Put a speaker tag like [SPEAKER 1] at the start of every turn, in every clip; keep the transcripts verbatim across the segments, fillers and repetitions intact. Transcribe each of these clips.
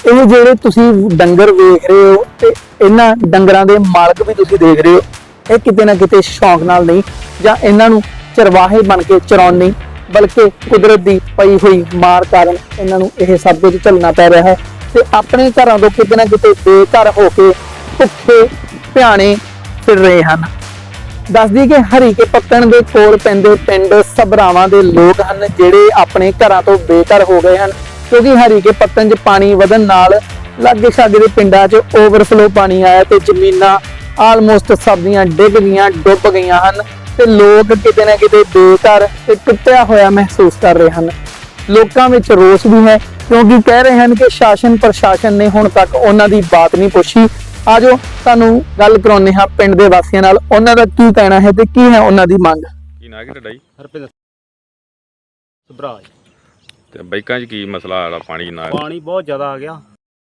[SPEAKER 1] ਇਹ ਜਿਹੜੇ ਤੁਸੀਂ ਡੰਗਰ ਵੇਖ ਰਹੇ ਹੋ ਤੇ ਇਹਨਾਂ ਡੰਗਰਾਂ ਦੇ ਮਾਲਕ ਵੀ ਤੁਸੀਂ ਦੇਖ ਰਹੇ ਹੋ, ਇਹ ਕਿਤੇ ਨਾ ਕਿਤੇ ਸ਼ੌਂਕ ਨਾਲ ਨਹੀਂ ਜਾਂ ਇਹਨਾਂ ਨੂੰ ਚਰਵਾਹੇ ਬਣ ਕੇ ਚਰਾਉਣ ਨਹੀਂ, ਬਲਕਿ ਕੁਦਰਤ ਦੀ ਪਈ ਹੋਈ ਮਾਰ ਕਾਰਨ ਇਹਨਾਂ ਨੂੰ ਇਹ ਸਭ ਕੁਝ ਝੱਲਣਾ ਪੈ ਰਿਹਾ ਹੈ ਤੇ ਆਪਣੇ ਘਰਾਂ ਤੋਂ ਕਿਤੇ ਨਾ ਕਿਤੇ ਬੇਘਰ ਹੋ ਕੇ ਭੁੱਖੇ ਭਿਆਣੇ ਫਿਰ ਰਹੇ ਹਨ। ਦੱਸਦੀ ਕਿ ਹਰੀਕੇ ਪੱਤਣ ਦੇ ਕੋਲ ਪੈਂਦੇ ਪਿੰਡ ਸਭਰਾਵਾਂ ਦੇ ਲੋਕ ਹਨ ਜਿਹੜੇ ਆਪਣੇ ਘਰਾਂ ਤੋਂ ਬੇਘਰ ਹੋ ਗਏ ਹਨ, ਕਿਉਂਕਿ ਹਰੀਕੇ ਪੱਤਣ 'ਚ ਪਾਣੀ ਵਧਣ ਨਾਲ ਲਾਗੇ ਛਾਗੇ ਦੇ ਪਿੰਡਾਂ 'ਚ ਓਵਰਫਲੋ ਪਾਣੀ ਆਇਆ ਤੇ ਜ਼ਮੀਨਾਂ ਆਲਮੋਸਟ ਸਭ ਦੀਆਂ ਡਿੱਗ ਗਈਆਂ, ਡੁੱਬ ਗਈਆਂ ਹਨ ਤੇ ਲੋਕ ਕਿਤੇ ਨਾ ਕਿਤੇ ਬੇਘਰ ਤੇ ਟੁੱਟਿਆ ਹੋਇਆ ਮਹਿਸੂਸ ਕਰ ਰਹੇ ਹਨ। ਲੋਕਾਂ ਵਿੱਚ ਰੋਸ ਵੀ ਹੈ ਕਿਉਂਕਿ ਕਹਿ ਰਹੇ ਹਨ ਕਿ ਸ਼ਾਸਨ ਪ੍ਰਸ਼ਾਸਨ ਨੇ ਹੁਣ ਤੱਕ ਉਹਨਾਂ ਦੀ ਬਾਤ ਨਹੀਂ ਪੁੱਛੀ। ਆਜੋ ਤੁਹਾਨੂੰ ਗੱਲ ਕਰਾਉਂਦੇ ਹਾਂ ਪਿੰਡ ਦੇ ਵਾਸੀਆਂ ਨਾਲ, ਉਹਨਾਂ ਦਾ ਕੀ ਕਹਿਣਾ ਹੈ ਤੇ ਕੀ ਹੈ ਉਹਨਾਂ ਦੀ ਮੰਗ।
[SPEAKER 2] ਕੀ ਨਾਂ ਹੈ ਤੁਹਾਡਾ ਜੀ?
[SPEAKER 3] ਹਰਪਿੰਦਰ ਸਭਰਾ।
[SPEAKER 2] ਤੇ ਬਾਈਕਾਂ 'ਚ ਕੀ ਮਸਲਾ ਆਲਾ ਪਾਣੀ ਨਾ?
[SPEAKER 3] ਪਾਣੀ ਬਹੁਤ ਜ਼ਿਆਦਾ ਆ ਗਿਆ।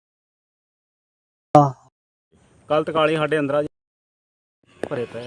[SPEAKER 3] ਕੱਲ ਤਕਾਲੀ ਸਾਡੇ ਅੰਦਰਾਂ ਭਰੇ ਪਏ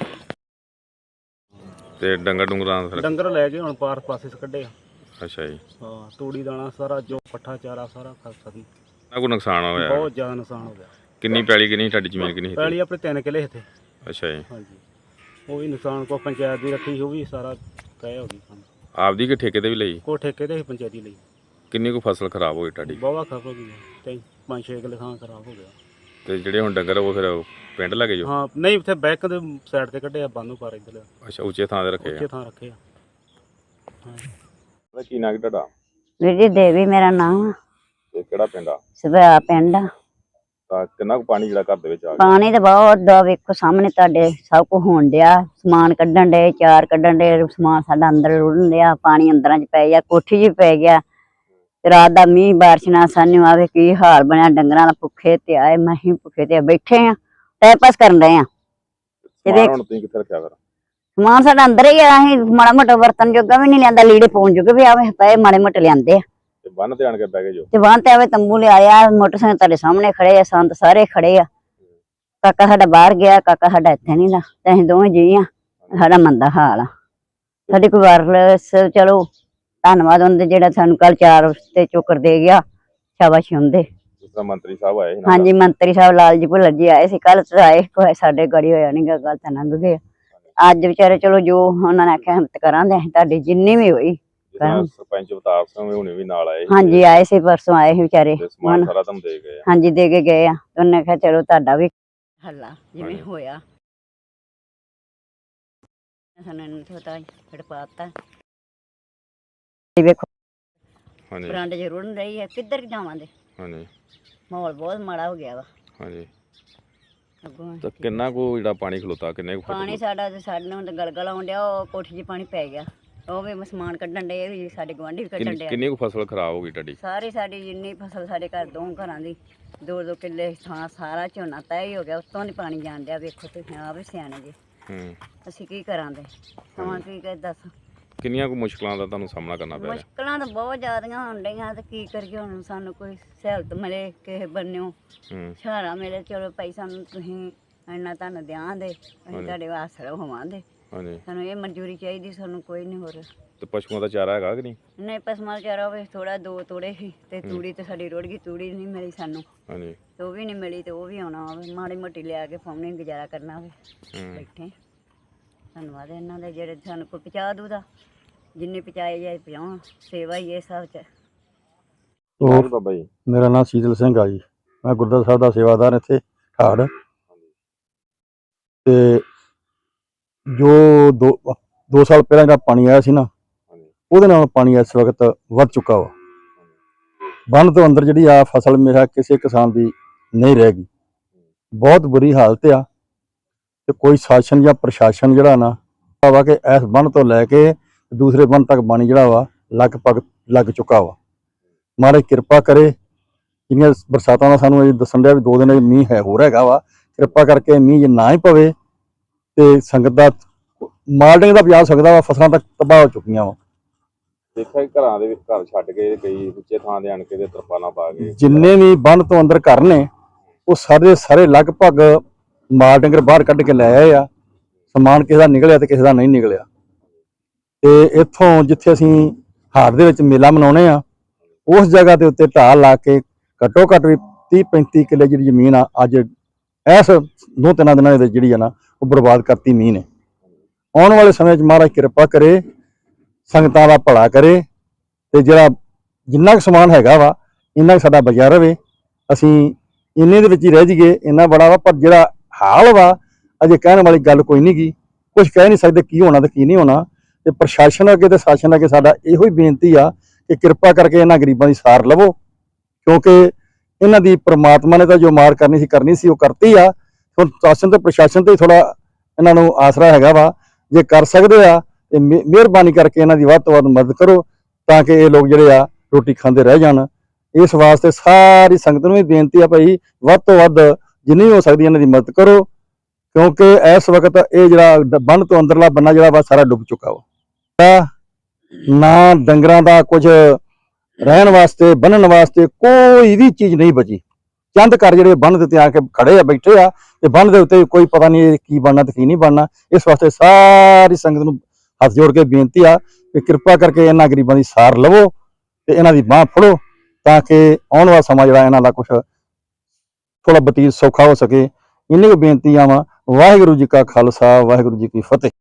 [SPEAKER 2] ਤੇ ਡੰਗਰ ਡੁੰਗਰਾਂ ਦਾ
[SPEAKER 3] ਡੰਗਰ ਲੈ ਕੇ ਹੁਣ ਪਾਰ ਪਾਸੇ ਕੱਢੇ ਆ।
[SPEAKER 2] ਅੱਛਾ ਜੀ।
[SPEAKER 3] ਹਾਂ, ਤੂੜੀ ਦਾਣਾ ਸਾਰਾ ਜੋ ਪੱਠਾ ਚਾਰਾ ਸਾਰਾ ਖਤਮ।
[SPEAKER 2] ਨਾ ਕੋਈ ਨੁਕਸਾਨ ਹੋਇਆ?
[SPEAKER 3] ਬਹੁਤ ਜ਼ਿਆਦਾ ਨੁਕਸਾਨ ਹੋ ਗਿਆ।
[SPEAKER 2] ਕਿੰਨੀ ਪੈਲੀ ਕਿੰਨੀ ਤੁਹਾਡੀ ਜ਼ਮੀਨ ਕਿੰਨੀ ਸੀ?
[SPEAKER 3] ਪੈਲੀ ਆਪਣੇ ਤਿੰਨ ਕਿੱਲੇ ਇੱਥੇ।
[SPEAKER 2] ਅੱਛਾ ਜੀ।
[SPEAKER 3] ਹਾਂਜੀ, ਉਹ ਵੀ ਨੁਕਸਾਨ ਕੋ ਪੰਚਾਇਤ ਦੀ ਰੱਖੀ, ਉਹ ਵੀ ਸਾਰਾ ਤੈਅ ਹੋ ਗਈ।
[SPEAKER 2] ਆਪਦੀ ਕਿ ਠੇਕੇ ਤੇ ਵੀ ਲਈ?
[SPEAKER 3] ਕੋ ਠੇਕੇ ਤੇ ਪੰਚਾਇਤੀ ਲਈ।
[SPEAKER 2] ਕਿੰਨੀ ਕੁ ਫਸਲ ਖਰਾਬ ਹੋਈ ਤੁਹਾਡੀ?
[SPEAKER 3] ਬਹੁਤ ਖਰਾਬ ਹੋ ਗਈ, ਤੇ ਪੰਜ ਛੇ ਕਿੱਲੇ ਥਾਂ ਖਰਾਬ ਹੋ ਗਿਆ।
[SPEAKER 2] ਤੇ ਜਿਹੜੇ ਹੁਣ ਡੰਗਰ ਉਹ ਫਿਰ ਪਿੰਡ ਲੱਗੇ ਜੋ?
[SPEAKER 3] ਹਾਂ, ਨਹੀਂ ਉੱਥੇ ਬੈਕ ਦੇ ਸਾਈਡ ਤੇ ਕੱਢਿਆ, ਬੰਨੂ ਪਾਰ ਇੱਧਰ।
[SPEAKER 2] ਅੱਛਾ, ਉੱਚੇ ਥਾਂ ਤੇ ਰੱਖੇ ਆ?
[SPEAKER 3] ਉੱਚੇ ਥਾਂ ਰੱਖੇ ਆ।
[SPEAKER 2] ਹਾਂ। ਕੀ ਨਾਂ ਤੁਹਾਡਾ?
[SPEAKER 4] ਵੀਰ ਜੀ ਦੇਵੀ ਮੇਰਾ ਨਾਮ।
[SPEAKER 2] ਤੇ ਕਿਹੜਾ ਪਿੰਡ ਆ?
[SPEAKER 4] ਸਭਰਾ ਪਿੰਡ।
[SPEAKER 2] ਤਾਂ ਕਿੰਨਾ ਕੁ ਪਾਣੀ ਜਿਹੜਾ ਘਰ ਦੇ ਵਿੱਚ ਆ ਗਿਆ?
[SPEAKER 4] ਪਾਣੀ ਤਾਂ ਬਹੁਤ ਦਾ, ਵੇਖੋ ਸਾਹਮਣੇ ਤੁਹਾਡੇ ਸਭ ਕੁਝ ਹੋਣ ਡਿਆ। ਸਮਾਨ ਕੱਢਣ ਡੇ, ਚਾਰ ਕੱਢਣ ਡੇ, ਸਮਾਨ ਸਾਡਾ ਅੰਦਰ ਰੁੜਨ ਡਿਆ, ਪਾਣੀ ਅੰਦਰਾਂ 'ਚ ਪੈ ਗਿਆ, ਕੋਠੀ 'ਚ ਪੈ ਗਿਆ। ਰਾਤ ਦਾ ਮੀਂਹ ਬਾਰਿਸ਼ ਨਾਲ ਸਾਨੂੰ ਆਵੇ ਕੀ ਹਾਲ ਬਣਿਆ, ਡੰਗਰਾਂ ਦਾ ਭੁੱਖੇ ਤੇ ਆਏ, ਮਹੀਂ ਭੁੱਖੇ ਤੇ ਬੈਠੇ ਆ, ਟਾਈਮ ਪਾਸ ਕਰਨ ਰਹੇ ਆ।
[SPEAKER 2] ਹੁਣ ਤੁਸੀਂ ਕਿੱਥੇ ਰੱਖਿਆ ਫਿਰ?
[SPEAKER 4] ਸਮਾਨ ਸਾਡਾ ਅੰਦਰ ਹੀ ਆ, ਅਸੀਂ ਮਾੜਾ ਮੋਟਾ ਵਰਤਨ ਜੋਗਾ ਵੀ ਨਹੀਂ ਲਿਆਂਦਾ, ਲੀੜੇ ਪਾਉਣ ਜੋਗੇ ਵੀ ਆਵੇ ਪਏ ਮਾੜੇ ਮੋਟੇ ਲਿਆਂਦੇ ਆ।
[SPEAKER 2] ਤੇ ਬੰਨ ਤੇ ਆਣ ਕੇ ਬਹਿ ਗਏ ਜੋ?
[SPEAKER 4] ਤੇ ਬੰਨ ਤੇ ਆਵੇ ਤੰਬੂ ਲਿਆਇਆ, ਮੋਟਰਸਾਈਕਲ ਤੁਹਾਡੇ ਸਾਹਮਣੇ ਖੜੇ ਆ, ਸੰਤ ਸਾਰੇ ਖੜੇ ਆ। ਕਾਕਾ ਸਾਡਾ ਬਾਹਰ ਗਿਆ, ਕਾਕਾ ਸਾਡਾ ਇੱਥੇ ਨਹੀਂ ਦਾ, ਤੇ ਅਸੀਂ ਦੋਵੇਂ ਜੀ ਆ। ਸਾਡਾ ਮੰਦਾ ਹਾਲ ਆ। ਸਾਡੀ ਕੋਈ ਵਾਇਰਲੈਸ, ਚਲੋ ਧੰਨਵਾਦ ਉਹਦੇ ਜਿਹੜਾ ਸਾਨੂੰ ਕੱਲ ਚਾਰ ਤੇ ਚੋਕਰ ਦੇ ਗਿਆ, ਸ਼ਾਬਾਸ਼ ਹੁੰਦੇ।
[SPEAKER 2] ਜਿਸ ਤਰ੍ਹਾਂ ਮੰਤਰੀ ਸਾਹਿਬ ਆਏ ਸੀ?
[SPEAKER 4] ਹਾਂਜੀ, ਮੰਤਰੀ ਸਾਹਿਬ ਲਾਲ ਜੀ ਭੁੱਲਰ ਜੀ ਆਏ ਸੀ ਕੱਲ, ਆਏ ਕੋਈ ਸਾਡੇ ਗੜੀ ਹੋਇਆ ਨੀ ਗਾ, ਗੱਲ ਤਾਂ ਲੰਘ ਗਏ। ਅੱਜ ਵਿਚਾਰੇ ਚਲੋ ਜੋ ਉਹਨਾਂ ਨੇ ਆਖਿਆ ਹਿੰਮਤ ਕਰਾਂਗੇ ਅਸੀਂ, ਤੁਹਾਡੀ ਜਿੰਨੀ ਵੀ ਹੋਈ।
[SPEAKER 2] ਸਰਪੰਚ ਅਵਤਾਰ ਸਿੰਘ ਹੁਣੇ ਵੀ ਨਾਲ ਆਏ?
[SPEAKER 4] ਹਾਂਜੀ, ਆਏ ਸੀ, ਪਰਸੋਂ ਆਏ ਸੀ ਵਿਚਾਰੇ।
[SPEAKER 2] ਸਮਾਨ ਸਾਰਾ ਤੁਹਾਨੂੰ ਦੇ ਗਏ?
[SPEAKER 4] ਹਾਂਜੀ, ਦੇ ਕੇ ਗਏ ਆ। ਉਹਨੇ ਕਿਹਾ ਚਲੋ ਤੁਹਾਡਾ ਵੀ ਹੱਲਾ ਜਿਵੇਂ ਹੋਇਆ ਸਾਨੂੰ ਨਹੀਂ ਪਤਾ, ਫਿਰ ਪਾਤਾ। ਵੇਖੋ
[SPEAKER 2] ਹਾਂਜੀ,
[SPEAKER 4] ਬਰਾਂਡੇ 'ਚ ਰੁੜਨ ਰਹੀ ਹੈ, ਕਿੱਧਰ ਜਾਵਾਂਗੇ?
[SPEAKER 2] ਹਾਂਜੀ,
[SPEAKER 4] ਮਾਹੌਲ ਬਹੁਤ ਮਾੜਾ ਹੋ ਗਿਆ ਵਾ।
[SPEAKER 2] ਹਾਂਜੀ।
[SPEAKER 4] ਅੱਗੋਂ
[SPEAKER 2] ਤਾਂ ਕਿੰਨਾ ਕੁ ਜਿਹੜਾ ਪਾਣੀ ਖਲੋਤਾ, ਕਿੰਨੇ ਕੁ
[SPEAKER 4] ਪਾਣੀ ਸਾਡਾ ਤੇ ਸਾਡੇ ਨੂੰ ਤਾਂ ਗਲਗਲ ਆਉਣ ਡਿਆ, ਉਹ ਕੋਠੀ 'ਚ ਪਾਣੀ ਪੈ ਗਿਆ, ਉਹ ਵੀ ਸਮਾਨ ਕੱਢਣ ਡੇ, ਵੀ ਸਾਡੇ ਗੁਆਂਢੀ ਵੀ ਕੱਢਣ ਡਿਆ।
[SPEAKER 2] ਕਿੰਨੀ ਕੁ ਫਸਲ ਖਰਾਬ ਹੋ ਗਈ ਤੁਹਾਡੀ?
[SPEAKER 4] ਸਾਰੀ ਸਾਡੀ ਜਿੰਨੀ ਫਸਲ ਸਾਡੇ ਘਰ ਦੋ ਘਰਾਂ ਦੀ, ਦੋ ਦੋ ਕਿੱਲੇ ਥਾਂ ਸਾਰਾ ਝੋਨਾ ਤੈਅ ਹੀ ਹੋ ਗਿਆ, ਉੱਤੋਂ ਨਹੀਂ ਪਾਣੀ ਜਾਣ ਡਿਆ। ਵੇਖੋ ਤੁਸੀਂ ਆਪ ਵੀ ਸਿਆਣੇ ਜੀ,
[SPEAKER 2] ਹੂੰ,
[SPEAKER 4] ਅਸੀਂ ਕੀ ਕਰਾਂਗੇ? ਸਮਾਂ ਕੀ ਕਰ ਦੱਸ।
[SPEAKER 2] ਕਿੰਨੀਆਂ ਕੁ ਮੁਸ਼ਕਲਾਂ ਦਾ ਤੁਹਾਨੂੰ ਸਾਹਮਣਾ ਕਰਨਾ ਪੈ ਰਿਹਾ?
[SPEAKER 4] ਮੁਸ਼ਕਲਾਂ ਤਾਂ ਬਹੁਤ ਜ਼ਿਆਦੀਆਂ ਹੋਣ ਡਈਆਂ, ਤੇ ਕੀ ਕਰੀਏ ਹੁਣ? ਸਾਨੂੰ ਕੋਈ ਸਹੂਲਤ ਮਿਲੇ ਕਿਸੇ ਬੰਨਿਓ,
[SPEAKER 2] ਹੂੰ,
[SPEAKER 4] ਸਹਾਰਾ ਮਿਲੇ, ਚਲੋ ਭਾਈ ਸਾਨੂੰ ਤੁਸੀਂ ਇੰਨਾ ਤੁਹਾਨੂੰ ਦਿਆਂਗੇ, ਅਸੀਂ ਤੁਹਾਡੇ ਆਸਰੇ ਹੋਵਾਂਗੇ।
[SPEAKER 2] ਹਾਂਜੀ।
[SPEAKER 4] ਸਾਨੂੰ ਇਹ ਮਨਜ਼ੂਰੀ ਚਾਹੀਦੀ, ਸਾਨੂੰ ਕੋਈ ਨਹੀਂ ਹੋਰ।
[SPEAKER 2] ਤੇ ਪਸ਼ੂਆਂ ਦਾ ਚਾਰਾ ਹੈਗਾ ਕਿ ਨਹੀਂ?
[SPEAKER 4] ਨਹੀਂ, ਪਸ਼ੂਆਂ ਦਾ ਚਾਰਾ ਹੋਵੇ ਥੋੜਾ, ਦੋ ਤੋੜੇ ਸੀ ਤੇ ਤੂੜੀ ਤੇ ਸਾਡੀ ਰੁੜ ਗਈ, ਤੂੜੀ ਨਹੀਂ ਮਿਲੀ ਸਾਨੂੰ।
[SPEAKER 2] ਹਾਂਜੀ।
[SPEAKER 4] ਤੇ ਉਹ ਵੀ ਨਹੀਂ ਮਿਲੀ, ਤੇ ਉਹ ਵੀ ਆਉਣਾ ਹੋਵੇ, ਮਾੜੀ ਮੋਟੀ ਲਿਆ ਕੇ ਪਾਉਣੀ, ਗੁਜ਼ਾਰਾ ਕਰਨਾ ਹੋਵੇ। ਬੈਠੇ ਧੰਨਵਾਦ ਇਹਨਾਂ ਦੇ ਜਿਹੜੇ ਸਾਨੂੰ ਕੋਈ ਪਹੁੰਚਾ ਦੂਦਾ, ਜਿੰਨੀ ਪਹੁੰਚਾਏ ਜਾਏ ਪਹੁੰਚਾਉਣ, ਸੇਵਾ ਹੀ ਇਹ ਸਭ 'ਚ।
[SPEAKER 2] ਹੋਰ ਬਾਬਾ ਜੀ?
[SPEAKER 5] ਮੇਰਾ ਨਾਮ ਸ਼ੀਤਲ ਸਿੰਘ ਆ ਜੀ, ਮੈਂ ਗੁਰਦੁਆਰਾ ਸਾਹਿਬ ਦਾ ਸੇਵਾਦਾਰ ਇੱਥੇ ਠਾੜ। ਤੇ ਜੋ ਦੋ ਦੋ ਸਾਲ ਪਹਿਲਾਂ ਜਿਹੜਾ ਪਾਣੀ ਆਇਆ ਸੀ ਨਾ, ਉਹਦੇ ਨਾਲ ਪਾਣੀ ਇਸ ਵਕਤ ਵੱਧ ਚੁੱਕਾ ਵਾ। ਬੰਨ ਤੋਂ ਅੰਦਰ ਜਿਹੜੀ ਆ ਫਸਲ ਮੇਰਾ ਕਿਸੇ ਕਿਸਾਨ ਦੀ ਨਹੀਂ ਰਹਿ ਗਈ, ਬਹੁਤ ਬੁਰੀ ਹਾਲਤ ਆ। ਤੇ ਕੋਈ ਸ਼ਾਸਨ ਜਾਂ ਪ੍ਰਸ਼ਾਸਨ ਜਿਹੜਾ ਨਾ ਵਾ ਕਿ ਇਸ ਬੰਨ ਤੋਂ ਲੈ ਕੇ ਦੂਸਰੇ ਬੰਨ ਤੱਕ ਪਾਣੀ ਜਿਹੜਾ ਵਾ ਲਗਭਗ ਲੱਗ ਚੁੱਕਾ ਵਾ। ਮਹਾਰਾਜ ਕਿਰਪਾ ਕਰੇ, ਜਿੰਨੀਆਂ ਬਰਸਾਤਾਂ ਦਾ ਸਾਨੂੰ ਇਹ ਦੱਸਣ ਡਿਆ ਵੀ ਦੋ ਦਿਨ ਮੀਂਹ ਹੈ ਹੋਰ ਹੈਗਾ ਵਾ, ਕਿਰਪਾ ਕਰਕੇ ਮੀਂਹ ਜੇ ਨਾ ਹੀ ਪਵੇ ਤੇ ਸੰਗਤ ਦਾ ਮਾਲ ਡੰਗਰ ਦਾ ਬਚਾ ਸਕਦਾ ਵਾ, ਫਸਲਾਂ ਤੱਕ ਤਬਾਹ ਹੋ ਚੁੱਕੀਆਂ ਵਾ।
[SPEAKER 2] ਦੇਖਿਆ ਘਰਾਂ ਦੇ ਵਿੱਚ ਘਰ ਛੱਡ ਕੇ ਕਈ ਉੱਚੇ ਥਾਂ ਦੇ ਆਣ ਕੇ ਤੇ ਤਰਪਾਲਾਂ ਪਾ ਕੇ
[SPEAKER 5] ਜਿੰਨੇ ਵੀ ਬੰਨ ਤੋਂ ਅੰਦਰ ਘਰ ਨੇ ਉਹ ਸਾਰੇ ਸਾਰੇ ਲਗਭਗ ਮਾਲ ਡੰਗਰ ਬਾਹਰ ਕੱਢ ਕੇ ਲੈ ਆਏ ਆ। ਸਮਾਨ ਕਿਸੇ ਦਾ ਨਿਕਲਿਆ ਤੇ ਕਿਸੇ ਦਾ ਨਹੀਂ ਨਿਕਲਿਆ। ਤੇ ਇੱਥੋਂ ਜਿੱਥੇ ਅਸੀਂ ਹਾੜ ਦੇ ਵਿੱਚ ਮੇਲਾ ਮਨਾਉਣੇ ਆ, ਉਸ ਜਗ੍ਹਾ ਦੇ ਉੱਤੇ ਢਾਹ ਲਾ ਕੇ ਘੱਟੋ ਘੱਟ ਵੀ ਤੀਹ ਪੈਂਤੀ ਕਿੱਲੇ ਜਿਹੜੀ ਜ਼ਮੀਨ ਆ ਅੱਜ ਇਸ ਦੋ ਤਿੰਨਾਂ ਦਿਨਾਂ ਦੇ ਵਿੱਚ ਜਿਹੜੀ ਆ ਨਾ ਉਹ ਬਰਬਾਦ ਕਰਤੀ ਮੀਂਹ ਨੇ। ਆਉਣ ਵਾਲੇ ਸਮੇਂ 'ਚ ਮਹਾਰਾਜ ਕਿਰਪਾ ਕਰੇ, ਸੰਗਤਾਂ ਦਾ ਭਲਾ ਕਰੇ ਤੇ ਜਿਹੜਾ ਜਿੰਨਾ ਕੁ ਸਮਾਨ ਹੈਗਾ ਵਾ ਇੰਨਾ ਕੁ ਸਾਡਾ ਬਚਿਆ ਰਵੇ। ਅਸੀਂ ਇੰਨੇ ਦੇ ਵਿੱਚ ਹੀ ਰਹਿ ਜਾਈਏ ਇੰਨਾ ਬੜਾ ਵਾ, ਪਰ ਜਿਹੜਾ ਹਾਲ ਵਾ ਅਜੇ ਕਹਿਣ ਵਾਲੀ ਗੱਲ ਕੋਈ ਨਹੀਂ ਗੀ। ਕੁਝ ਕਹਿ ਨਹੀਂ ਸਕਦੇ ਕੀ ਹੋਣਾ ਤੇ ਕੀ ਨਹੀਂ ਹੋਣਾ। ਤੇ ਪ੍ਰਸ਼ਾਸਨ ਅੱਗੇ ਤੇ ਸ਼ਾਸਨ ਅੱਗੇ ਸਾਡਾ ਇਹੋ ਹੀ ਬੇਨਤੀ ਆ ਕਿ ਕਿਰਪਾ ਕਰਕੇ ਇਹਨਾਂ ਗਰੀਬਾਂ ਦੀ ਸਾਰ ਲਵੋ, ਕਿਉਂਕਿ ਇਹਨਾਂ ਦੀ ਪ੍ਰਮਾਤਮਾ ਨੇ ਤਾਂ ਜੋ ਮਾਰ ਕਰਨੀ ਸੀ ਕਰਨੀ ਸੀ ਉਹ ਕਰਤੀ ਆ। ਹੁਣ ਸ਼ਾਸਨ ਤੇ ਪ੍ਰਸ਼ਾਸਨ ਤੇ ਥੋੜਾ ਇਹਨਾਂ ਨੂੰ ਆਸਰਾ ਹੈਗਾ ਵਾ, ਜੇ ਕਰ ਸਕਦੇ ਆ ਤੇ ਮਿਹਰਬਾਨੀ ਕਰਕੇ ਇਹਨਾਂ ਦੀ ਵੱਧ ਤੋਂ ਵੱਧ ਮਦਦ ਕਰੋ ਤਾਂ ਕਿ ਇਹ ਲੋਕ ਜਿਹੜੇ ਆ ਰੋਟੀ ਖਾਂਦੇ ਰਹਿ ਜਾਣ। ਇਸ ਵਾਸਤੇ ਸਾਰੀ ਸੰਗਤ ਨੂੰ ਵੀ ਬੇਨਤੀ ਆ ਭਾਈ ਵੱਧ ਤੋਂ ਵੱਧ ਜਿੰਨੀ ਹੋ ਸਕਦੀ ਇਹਨਾਂ ਦੀ ਮਦਦ ਕਰੋ, ਕਿਉਂਕਿ ਇਸ ਵਕਤ ਇਹ ਜਿਹੜਾ ਬੰਨ ਤੋਂ ਅੰਦਰਲਾ ਬੰਨਾ ਜਿਹੜਾ ਵਾ ਸਾਰਾ ਡੁੱਬ ਚੁੱਕਾ ਵਾ। ਨਾ ਡੰਗਰਾਂ ਦਾ ਕੁਝ ਰਹਿਣ ਵਾਸਤੇ ਬੰਨਣ ਵਾਸਤੇ ਕੋਈ ਵੀ ਚੀਜ਼ ਨਹੀਂ ਬਚੀ। ਚੰਦ ਘਰ ਜਿਹੜੇ ਬੰਨ ਦੇ ਉੱਤੇ ਆ ਕੇ ਖੜੇ ਆ ਬੈਠੇ ਆ ਤੇ ਬੰਨ ਦੇ ਉੱਤੇ ਕੋਈ ਪਤਾ ਨਹੀਂ ਕੀ ਬਣਨਾ ਤੇ ਕੀ ਨਹੀਂ ਬਣਨਾ। ਇਸ ਵਾਸਤੇ ਸਾਰੀ ਸੰਗਤ ਨੂੰ ਹੱਥ ਜੋੜ ਕੇ ਬੇਨਤੀ ਆ ਕਿ ਕਿਰਪਾ ਕਰਕੇ ਇਹਨਾਂ ਗਰੀਬਾਂ ਦੀ ਸਾਰ ਲਵੋ ਤੇ ਇਹਨਾਂ ਦੀ ਬਾਂਹ ਫੜੋ ਤਾਂ ਕਿ ਆਉਣ ਵਾਲਾ ਸਮਾਂ ਜਿਹੜਾ ਇਹਨਾਂ ਦਾ ਕੁਝ ਥੋੜਾ ਬਤੀਤ ਸੌਖਾ ਹੋ ਸਕੇ। ਇੰਨੀ ਕੁ ਬੇਨਤੀਆਂ ਵਾ। ਵਾਹਿਗੁਰੂ ਜੀ ਕਾ ਖਾਲਸਾ, ਵਾਹਿਗੁਰੂ ਜੀ ਕੀ ਫਤਿਹ।